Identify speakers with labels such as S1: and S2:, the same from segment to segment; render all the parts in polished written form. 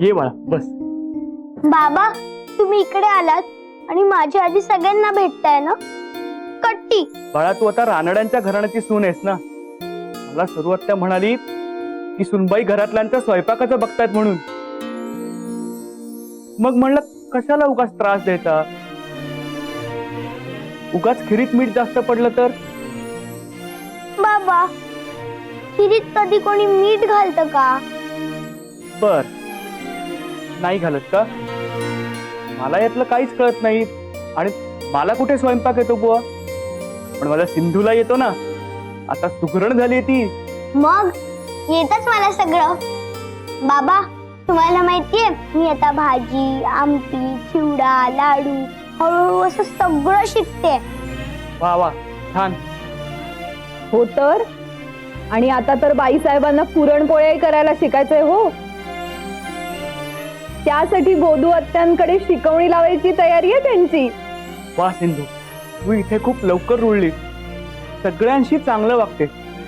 S1: ये बाळा बस.
S2: बाबा तुम्ही इकडे आलात आणि माझ्या आधी सगळ्यांना भेटताय ना. कट्टी
S1: बाळा तू आता रानड्यांच्या घराण्याची सून आहेस ना. मला सुरुवात त्या म्हणाली की सुनबाई घरातल्यांचा स्वयंपाकाचं बघतायत म्हणून. मग म्हणलं कशाला उगाच त्रास द्यायचा. उगाच खिरीत मीठ जास्त पडलं तर.
S2: बाबा खिरीत कधी कोणी मीठ घालतं का.
S1: बर नाही घालत का. मला यातलं काहीच कळत नाही आणि मला कुठे स्वयंपाक येतो बुवा. पण मला सिंधूला येतो ना. आता सुगरण झाली ती.
S2: मग येतच मला सगळं. बाबा तुम्हाला माहितीये मी आता भाजी आमटी चिवडा लाडू हळूहळू असं सगळं शिकते.
S1: वा वा छान.
S3: हो तर. आणि आता तर बाईसाहेबांना पुरणपोळ्याही करायला शिकायचंय हो. त्यासाठी गोदू आत्यांकडे शिकवणी लावायची तयारी आहे त्यांची.
S1: वा सिंधू तू इथे खूप लवकर रुळली. सगळ्यांशी चांगलं वागते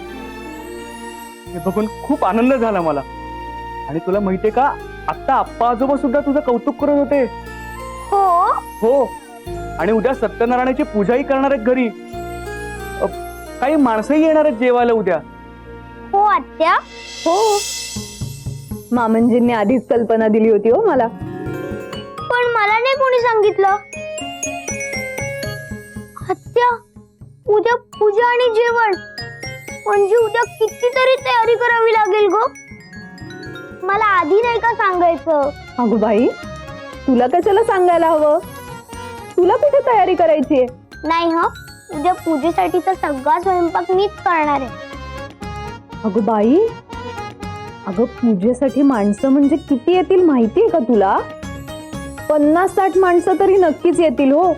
S1: हे बघून खूप आनंद झाला मला. आणि तुला माहितीये का आता आप्पा आजोबा सुद्धा तुझं कौतुक करत होते.
S2: हो
S1: हो आणि उद्या सत्यनारायणाची पूजाही करणार आहेत घरी. काही माणसंही येणार आहेत जेवायला उद्या.
S2: हो आत्या.
S3: हो मामंजींनी आधीच कल्पना दिली होती हो मला.
S2: पण मला नाही कोणी सांगितलं. आत्या उद्या पूजा आणि जेवण म्हणजे उद्या कितीतरी तयारी करावी लागेल ग. मला आधी नाही का सांगायचं.
S3: अगं बाई तुला कशाला सांगायला हवं. तुला कुठे तयारी करायची आहे.
S2: नाही ह उद्या पूजेसाठीचा सगळा स्वयंपाक मीच करणार आहे.
S3: अगं बाई अगं पूजेसाठी माणसं म्हणजे किती येतील माहितीये का तुला. 50-60 माणसं तरी नक्कीच येतील हो.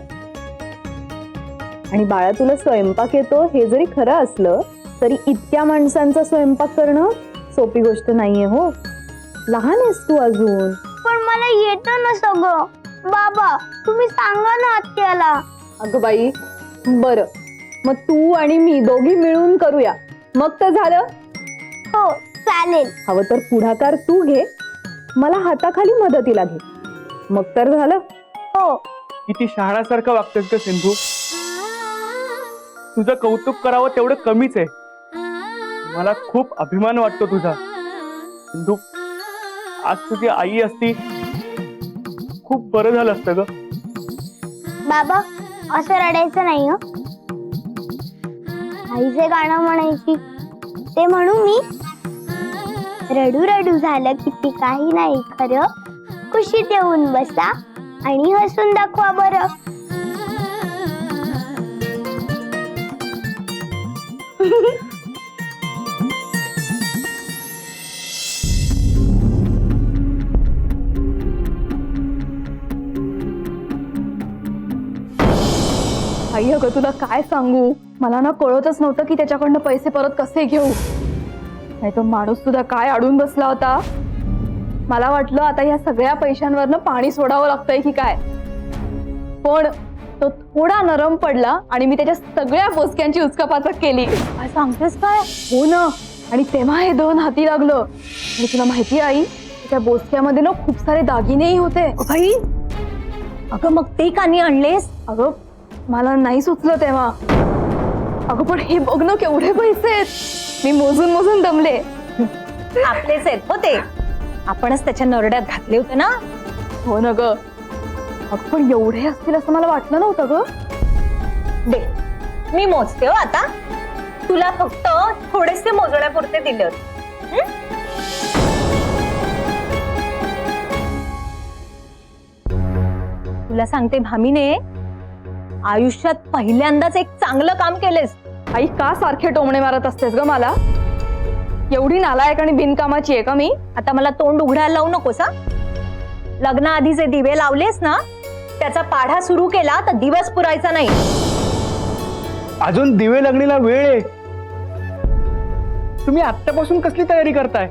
S3: आणि बाळा तुला स्वयंपाक येतो हे जरी खरं असलं तरी इतक्या माणसांचा स्वयंपाक करणं सोपी गोष्ट नाहीये हो. लहान आहेस तू अजून.
S2: पण मला येतं ना सगळं. बाबा तुम्ही सांगा ना आत्याला.
S3: अगं बाई बरं मग तू आणि मी दोघी मिळून करूया मग तर झालं.
S2: हो चालेल.
S3: हवं तर पुढाकार तू घे मला हाताखाली मदतीला घे मग तर झालं.
S2: हो
S1: किती शहाण्यासारखं वागतेस ग सिंधू. तुझं कौतुक करावं तेवढं कमीच आहे. मला खूप अभिमान वाटतो तुझा. सिंधू आज तुझी आई असती खूप बरं झालं असतं ग.
S2: बाबा असं रडायचं नाही ह. आईचे गाणं म्हणायची ते म्हणू मी. रडू रडू झालं किती काही नाही खरं. कुशीत येऊन बसा आणि हसून दाखवा बरं.
S3: आई अगं तुला काय सांगू मला ना कळतच नव्हतं की त्याच्याकडनं पैसे परत कसे घेऊ. नाही तो माणूस सुद्धा काय अडून बसला होता. मला वाटलं आता या सगळ्या पैशांवरनं पाणी सोडावं लागतंय की काय. पण तो थोडा नरम पडला आणि मी त्याच्या सगळ्या बोचक्यांची उचकापाचक केली. काय सांगतेस काय. हो ना. आणि तेव्हा हे दोन हाती लागलं. आणि तुला माहिती आई त्या बोचक्यामध्ये ना खूप सारे दागिनेही होते.
S4: भाई अगं मग ते का नाही आणलेस.
S3: अगं मला नाही सुचलं तेव्हा. अगं पण हे बघ ना केवढे पैसे आहेत. मी मोजून मोजून दमले.
S4: आपलेच आहेत हो ते. आपणच त्याच्या नरड्यात घातले होते ना.
S3: हो ना ग. अगं पण एवढे असतील असं मला वाटलं नव्हतं ग.
S4: दे मी मोजते हो आता. तुला फक्त थोडेसे मोजण्यापुरते दिले होते. तुला सांगते भामीने आयुष्यात पहिल्यांदाच एक चांगलं काम केलेस.
S3: आई का सारखे टोमणे मारत असतेस ग मला. एवढी नालायक आणि बिनकामाची आहे का मी.
S4: आता मला तोंड उघडायला लावू नकोस हा. लग्नाआधी जे दिवे लावलेस ना त्याचा पाढा सुरू केला तर दिवस पुरायचा नाही.
S1: अजून दिवे लागणीला वेळ आहे. तुम्ही आत्तापासून कसली तयारी करताय.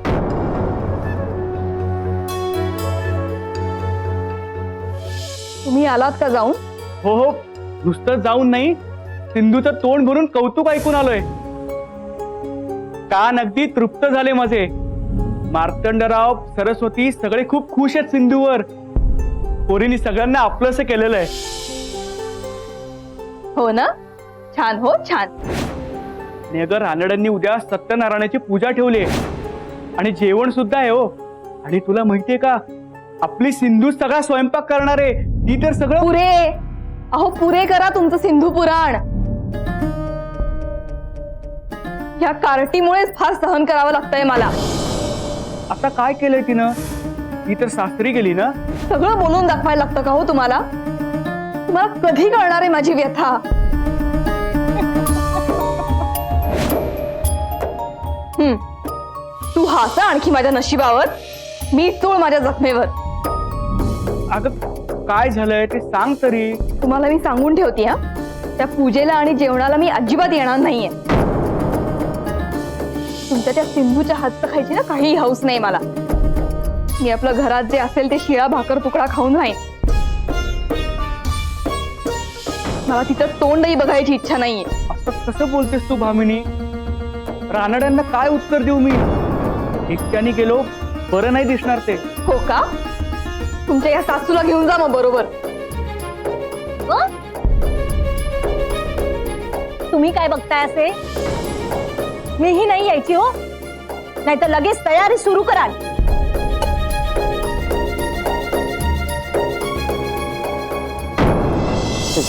S3: तुम्ही आलात का जाऊन.
S1: हो हो नुसतं जाऊन नाही सिंधूचं तोंड भरून कौतुक ऐकून आलोय. कान अगदी तृप्त झाले माझे. मार्तंडराव, सरस्वती सगळे खूप खुश आहेत सिंधूवर. पोरीनी सगळ्यांना आपलंसं केलेलं आहे.
S3: हो ना, छान, हो छान.
S1: आणि अगं रानड्यांनी उद्या सत्यनारायणाची पूजा ठेवली आणि जेवण सुद्धा आहे हो. आणि तुला माहितीये का, आपली सिंधू सगळा स्वयंपाक करणार आहे. ती तर सगळं
S3: पुरे, अहो पुरे करा तुमचं सिंधू पुराण. या कार्टीमुळेच फार सहन करावं लागतंय मला.
S1: आता काय केलंय तिनं? ती तर सासरी गेली ना.
S3: सगळं बोलून दाखवायला लागतं का हो तुम्हाला? तुम्हाला कधी कळणार आहे माझी व्यथा? तू हसा आणखी माझ्या नशिबावर, मी चोळ माझ्या जखमेवर.
S1: अगं काय झालंय ते सांग तरी.
S3: तुम्हाला मी सांगून ठेवते हा, त्या पूजेला आणि जेवणाला मी अजिबात येणार नाहीये. तुमच्या त्या सिंधूच्या हातचं खायची ना काही हौस नाही मला. मी आपलं घरात जे असेल ते शिळा भाकर तुकडा खाऊन राहीन. मला तिचं तोंडही बघायची इच्छा नाहीये.
S1: असं कसं बोलतेस तू भामिनी? रानड्यांना काय उत्तर देऊ मी? एकट्याने गेलो बरं नाही दिसणार ते.
S3: हो का? तुमच्या या सासूला घेऊन जा मग बरोबर.
S4: तुम्ही काय बघताय असे? मीही नाही यायची हो, नाहीतर लगेच तयारी सुरू कराल.